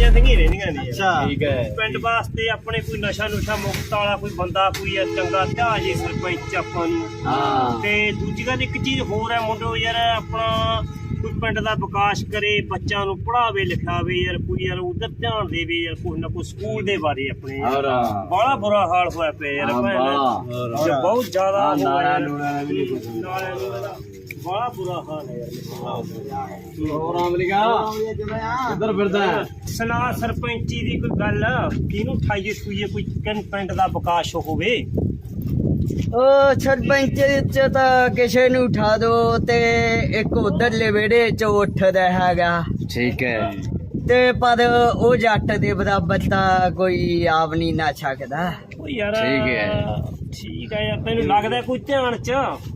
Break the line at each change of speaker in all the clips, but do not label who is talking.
ਜਾਂਦੀਆਂ ਰਹਿੰਦੀਆਂ ਨੇ।
ਅੱਛਾ
ਠੀਕ ਹੈ।
ਪਿੰਡ ਵਾਸਤੇ ਆਪਣੇ ਕੋਈ ਨਸ਼ਾ ਨੁਸ਼ਾ ਮੁਕਤ ਵਾਲਾ ਕੋਈ ਬੰਦਾ ਕੋਈ ਚੰਗਾ ਧਿਆ ਜੇ ਸਰਪੰਚ ਆਪਾਂ ਨੂੰ।
ਹਾਂ
ਤੇ ਦੂਜੀ ਗੱਲ ਇੱਕ ਚੀਜ਼ ਹੋਰ ਹੈ ਮੁੰਡੋ ਯਾਰ ਆਪਣਾ ਕੋਈ ਪਿੰਡ ਦਾ ਵਿਕਾਸ ਕਰੇ, ਬੱਚਿਆਂ ਨੂੰ ਪੜ੍ਹਾਵੇ ਲਿਖਾਵੇ ਯਾਰ, ਕੋਈ ਯਾਰ ਉਧਰ ਧਿਆਨ ਦੇਵੇ ਯਾਰ, ਕੁਛ ਨਾ ਕੁਛ ਸਕੂਲ ਦੇ ਬਾਰੇ ਆਪਣੇ
ਹੋਰ
ਬੜਾ ਬੁਰਾ ਹਾਲ ਹੋਇਆ ਪਿਆ ਯਾਰ ਬਹੁਤ ਜ਼ਿਆਦਾ
ਨਾਲਿਆਂ ਨੂਲਿਆਂ ਦਾ ਵੀ ਨਹੀਂ ਕੁਛ।
ਨਾਲਿਆਂ ਨੂਲਿਆਂ ਦਾ ਬੜਾ ਬੁਰਾ ਹਾਲ ਹੈ ਯਾਰ।
ਹੋਰ ਅਮਰੀਕਾ ਕਿੱਧਰ ਫਿਰਦਾ ਹੈ?
ਸੁਣਾ ਸਰਪੰਚੀ ਦੀ ਕੋਈ ਗੱਲ ਕਿਹਨੂੰ ਠਾਈਏ ਸੂਈਏ ਕੋਈ ਪਿੰਡ ਦਾ ਵਿਕਾਸ ਹੋਵੇ।
ਉਹ ਸਰਪੰਚ ਚ ਤਾਂ ਕਿਸੇ ਨੂੰ ਉਠਾ ਦੋ ਤੇ ਇੱਕ ਉਧਰਲੇ ਵਿਹੜੇ ਚ ਉੱਠਦਾ ਹੈਗਾ
ਠੀਕ ਹੈ।
ਤੇ ਪਰ ਉਹ ਜੱਟ ਦੇ ਬਰਾਬਰ ਤਾਂ ਕੋਈ ਆਪ ਨਹੀਂ ਨਾ ਸਕਦਾ।
ਉਹ ਯਾਰ
ਠੀਕ ਹੈ।
ਠੀਕ ਹੈ ਯਾਰ, ਤੈਨੂੰ ਲੱਗਦਾ ਕੋਈ ਧਿਆਨ ਚ?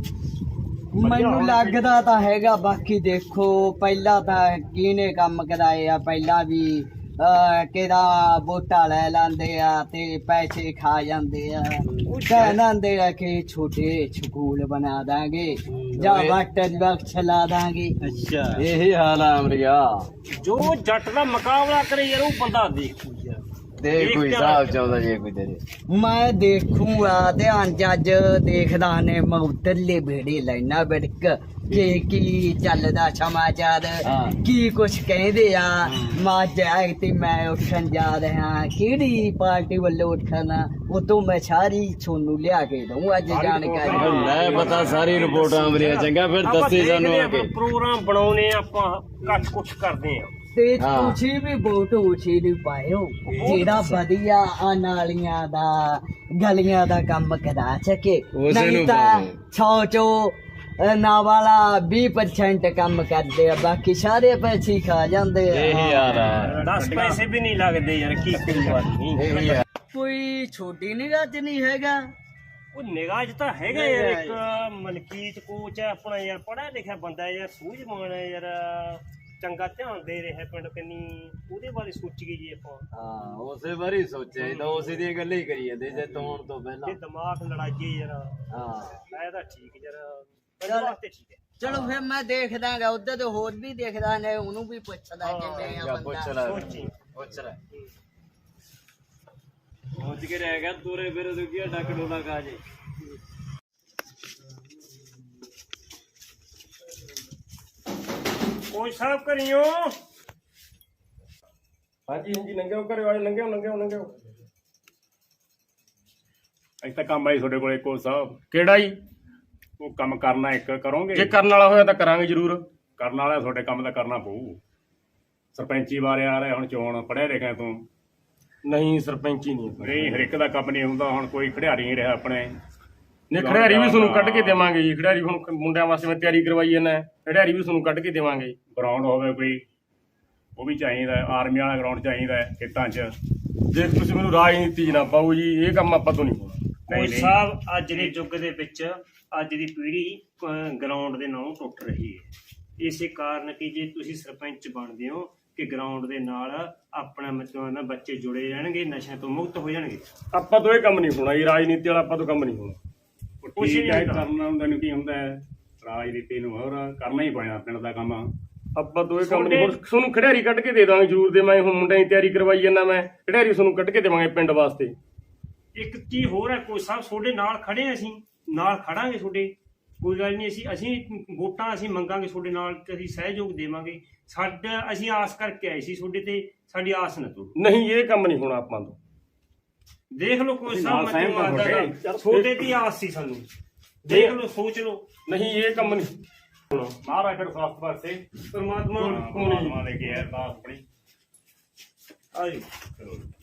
ਮੈਨੂੰ ਲੱਗਦਾ ਤਾਂ ਹੈਗਾ, ਬਾਕੀ ਦੇਖੋ ਪਹਿਲਾਂ ਤਾਂ ਕਿਹਨੇ ਕੰਮ ਕਰਾਏ ਆ, ਪਹਿਲਾਂ ਵੀ ਕਿਹੜਾ ਵੋਟਾਂ ਲੈ ਲੈਂਦੇ ਆ ਤੇ ਪੈਸੇ ਖਾ ਜਾਂਦੇ ਆ, ਕਹਿੰਦੇ ਆ ਕਿ ਛੋਟੇ ਸਕੂਲ ਬਣਾ ਦਾਂਗੇ ਜਾਂ ਵਾਟਰ ਬਕਸ ਲਾ ਦਾਂਗੇ।
ਅੱਛਾ ਇਹੀ ਹਾਲ ਆ ਅਮਰੀਕਾ।
ਜੋ ਜੱਟ ਦਾ ਮੁਕਾਬਲਾ ਕਰੇ ਯਾਰ ਉਹ ਬੰਦਾ ਦੇਖੂ ਯਾਰ।
ਤੇ ਕੋਈ ਹਿਸਾਬ ਚਾਹੁੰਦਾ ਜੇ ਕੋਈ ਤੇਰੇ?
ਮੈਂ ਦੇਖੂਗਾ ਧਿਆਨ ਜੱਜ ਦੇਖਦਾ ਨੇ ਮੈਂ ਉਧਰਲੇ ਵਿਹੜੇ ਲੈਣਾ ਬਿੜਕ ਕਿ ਕੀ ਚੱਲਦਾ ਸਮਾਚਾਰ, ਕੀ ਕੁਛ ਕਹਿੰਦੇ ਆ। ਮਾਂ ਜਾਗ ਤੇ ਮੈਂ ਉੱਠਣ ਜਾ ਰਿਹਾ, ਕਿਹੜੀ ਪਾਰਟੀ ਵੱਲੋਂ ਉੱਠਣਾ, ਉਹ ਤੋਂ ਮੈਂ ਸਾਰੀ ਤੁਹਾਨੂੰ ਲਿਆ ਕੇ ਦਊਂ ਅੱਜ ਜਾਣਕਾਰੀ।
ਲੈ ਪਤਾ ਸਾਰੀ ਰਿਪੋਰਟ ਅਮਰੀਕਾ। ਚੰਗਾ ਫਿਰ ਦੱਸੀ ਸਾਨੂੰ ਆ ਕੇ।
ਪ੍ਰੋਗਰਾਮ ਬਣਾਉਣੇ ਆਪਾਂ ਕੱਟ ਕੁਛ ਕਰਦੇ ਆ
ਤੇ ਤੁਸੀਂ ਵੀ ਵੋਟ ਉਸੇ ਨੂੰ ਪਾਇਓ ਜਿਹੜਾ ਵਧੀਆ ਆ ਨਾਲੀਆਂ ਦਾ ਗਲੀਆਂ ਦਾ ਕੰਮ ਕਰਾ ਸਕੇ। ਨਹੀਂ ਤਾਂ 100 ਚੋਂ ਨਾ ਵਾਲਾ 20% ਕੰਮ ਕਰਦੇ ਆ, ਬਾਕੀ ਸਾਰੇ ਪੈਸੇ ਖਾ ਜਾਂਦੇ ਆ।
ਇਹੀ ਹਾਲ ਆ।
10 ਪੈਸੇ ਵੀ ਨਹੀਂ ਲੱਗਦੇ ਯਾਰ, ਕੀ ਕੋਈ ਗੱਲ ਨਹੀਂ।
ਕੋਈ ਛੋਟੀ ਨਿਗਾਹ ਚ ਨਹੀਂ ਹੈਗਾ।
ਉਹ ਨਿਗਾਹ 'ਚ ਤਾਂ ਹੈਗਾ ਯਾਰ, ਇੱਕ ਮਲਕੀਤ ਕੋਚ ਹੈ ਆਪਣਾ ਯਾਰ, ਪੜ੍ਹਿਆ ਲਿਖਿਆ ਬੰਦਾ ਯਾਰ, ਸੂਝਵਾਨ ਹੈ ਯਾਰ, ਚੰਗਾ ਧਿਆਨ ਦੇ ਰਿਹਾ ਪਿੰਡ ਕੰਨੀ, ਉਹਦੇ ਬਾਰੇ ਸੋਚੀਏ ਜੀ ਆਪਾਂ।
ਹਾਂ ਉਸੇ ਵਾਰੀ ਸੋਚਿਆ ਤਾਂ ਉਸੇ ਦੀਆਂ ਗੱਲਾਂ ਹੀ ਕਰੀ ਜਾਂਦੇ ਜੇ ਤੋਣ ਤੋਂ ਪਹਿਲਾਂ।
ਇਹ ਦਿਮਾਗ ਲੜਾਈਏ ਯਾਰ।
ਹਾਂ
ਮੈਂ ਤਾਂ ਠੀਕ ਯਾਰ, ਵਾਸਤੇ ਠੀਕ ਹੈ।
ਚਲੋ ਫਿਰ ਮੈਂ ਦੇਖਦਾਗਾ, ਉਧਰ ਤੋਂ ਹੋਰ ਵੀ ਦੇਖਦਾ ਨੇ, ਉਹਨੂੰ ਵੀ ਪੁੱਛਦਾ ਕਿਵੇਂ ਆ
ਪੁੱਛ
ਬੰਦਾ।
ਲੈ ਪੁੱਛ ਲੈ ਪਹੁੰਚ ਕੇ ਰਹਿ ਗਿਆ ਤੋਰੇ ਫਿਰ ਦੁਗੀਆ ਡੱਕ ਡੋਲਾ ਖਾ ਜੇ।
ਕੋਈ ਸਾਹਿਬ ਕਰਿਓ।
ਹਾਂਜੀ ਹਾਂਜੀ ਲੰਘਿਓ ਘਰੇ ਵਾਲੇ, ਲੰਘਿਓ ਲੰਘਿਓ ਲੰਘਿਓ। ਅੱਜ ਤਾਂ ਕੰਮ ਆਈ ਤੁਹਾਡੇ ਕੋਲੇ ਕੋਚ ਸਾਹਿਬ।
ਕਿਹੜਾ ਜੀ?
ਉਹ ਕੰਮ ਕਰਨਾ ਇੱਕ ਕਰੋਗੇ?
ਜੇ ਕਰਨ ਵਾਲਾ ਹੋਇਆ ਤਾਂ ਕਰਾਂਗੇ ਜ਼ਰੂਰ।
ਕਰਨ ਵਾਲਾ ਤੁਹਾਡੇ ਕੰਮ ਦਾ ਕਰਨਾ ਪਊ। ਸਰਪੰਚੀ ਬਾਰੇ ਆ ਰਿਹਾ ਹੁਣ ਚੋਣ, ਪੜ੍ਹਿਆ ਲਿਖਿਆ ਤੂੰ?
ਨਹੀਂ ਸਰਪੰਚ ਹੀ ਨਹੀਂ।
ਨਹੀਂ ਹਰ ਇੱਕ ਦਾ ਕੰਮ ਨਹੀਂ ਹੁੰਦਾ, ਹੁਣ ਕੋਈ ਖਿਡਾਰੀ ਨਹੀਂ ਰਿਹਾ ਆਪਣੇ।
ਨੇ ਖਿਡਾਰੀ ਵੀ ਤੁਹਾਨੂੰ ਕੱਢ ਕੇ ਦੇਵਾਂਗੇ ਜੀ। ਖਿਡਾਰੀ ਹੁਣ ਮੁੰਡਿਆਂ ਵਾਸਤੇ ਮੈਂ ਤਿਆਰੀ ਕਰਵਾਈ ਜਾਂਦਾ, ਖਿਡਾਰੀ ਵੀ ਤੁਹਾਨੂੰ ਕੱਢ ਕੇ ਦੇਵਾਂਗੇ।
ਗਰਾਊਂਡ ਹੋਵੇ ਕੋਈ, ਉਹ ਵੀ ਚਾਹੀਦਾ। ਆਰਮੀ ਵਾਲਾ ਗਰਾਊਂਡ ਚਾਹੀਦਾ ਖੇਤਾਂ 'ਚ।
ਦੇਖ ਤੁਸੀਂ ਮੈਨੂੰ ਰਾਜਨੀਤੀ 'ਚ ਨਾ ਪਾਓ ਜੀ, ਇਹ ਕੰਮ ਆਪਾਂ ਤੋਂ ਨਹੀਂ ਹੋਣਾ।
ਕੋਈ ਸਾਹਿਬ ਅੱਜ ਦੇ ਯੁੱਗ ਦੇ ਵਿੱਚ ਅੱਜ ਦੀ ਪੀੜ੍ਹੀ ਗਰਾਊਂਡ ਦੇ ਨਾਲੋਂ ਟੁੱਟ ਰਹੀ ਹੈ। ਇਸੇ ਕਾਰਨ ਕਿ ਜੇ ਤੁਸੀਂ ਸਰਪੰਚ ਬਣਦੇ ਹੋ ਕਿ ਗਰਾਊਂਡ ਦੇ ਨਾਲ ਆਪਣਾ ਮਤਲਬ ਨਾ ਬੱਚੇ ਜੁੜੇ ਰਹਿਣਗੇ, ਨਸ਼ਿਆਂ ਤੋਂ ਮੁਕਤ ਹੋ ਜਾਣਗੇ।
ਆਪਾਂ ਤੋਂ ਇਹ ਕੰਮ ਨਹੀਂ ਹੋਣਾ ਜੀ, ਰਾਜਨੀਤੀ ਵਾਲਾ ਆਪਾਂ ਤੋਂ ਕੰਮ ਨਹੀਂ ਹੋਣਾ।
ਕੁਛ ਨਹੀਂ ਕਰਨਾ ਹੁੰਦਾ ਨੂੰ ਕੀ ਹੁੰਦਾ ਹੈ, ਰਾਜਨੀਤੀ ਨੂੰ ਹੋਰ ਕਰਨਾ ਹੀ ਪੈਣਾ ਪਿੰਡ ਦਾ ਕੰਮ।
ਆਪਾਂ ਤੋਂ ਇਹ ਕੰਮ ਨਹੀਂ। ਤੁਹਾਨੂੰ ਖਿਡਾਰੀ ਕੱਢ ਕੇ ਦੇ ਦਾਂਗੇ ਜ਼ਰੂਰ ਦੇਵਾਂਗੇ। ਹੁਣ ਮੁੰਡਿਆਂ ਦੀ ਤਿਆਰੀ ਕਰਵਾਈ ਜਾਂਦਾ ਮੈਂ, ਖਿਡਾਰੀ ਤੁਹਾਨੂੰ ਕੱਢ ਕੇ ਦੇਵਾਂਗੇ ਪਿੰਡ ਵਾਸਤੇ।
ਇੱਕ ਚੀਜ਼ ਹੋਰ ਹੈ ਕੋਈ ਸਾਹਿਬ, ਤੁਹਾਡੇ ਨਾਲ ਖੜੇ ਅਸੀਂ, ਨਾਲ ਖੜਾਂਗੇ ਤੁਹਾਡੇ, ਕੋਈ ਗੱਲ ਨਹੀਂ। ਅਸੀਂ ਵੋਟਾਂ ਅਸੀਂ ਮੰਗਾਂਗੇ ਤੁਹਾਡੇ ਨਾਲ ਤੇ ਅਸੀਂ ਸਹਿਯੋਗ ਦੇਵਾਂਗੇ। ਸਾਡਾ ਅਸੀਂ ਆਸ ਕਰਕੇ ਆਏ ਸੀ ਤੁਹਾਡੇ ਤੇ, ਸਾਡੀ ਆਸ ਨਾ ਤੋੜੋ।
ਨਹੀਂ ਇਹ ਕੰਮ ਨਹੀਂ ਹੋਣਾ ਆਪਾਂ ਤੋਂ।
ਦੇਖ ਲਓ ਕੋਈ ਸਾਹਿਬ, ਤੁਹਾਡੇ ਦੀ ਆਸ ਸੀ ਸਾਨੂੰ, ਦੇਖ ਲਓ ਸੋਚ ਲਓ।
ਨਹੀਂ ਇਹ ਕੰਮ ਨਹੀਂ ਹੋਣਾ।
ਮਹਾਰਾਜ ਫਿਰ ਸਾਫ ਪਾਸੇ
ਪਰਮਾਤਮਾ
ਪਰਮਾਤਮਾ ਦੇ ਕੇ ਅਰਦਾਸ ਆਪਣੀ।
ਆਜੀ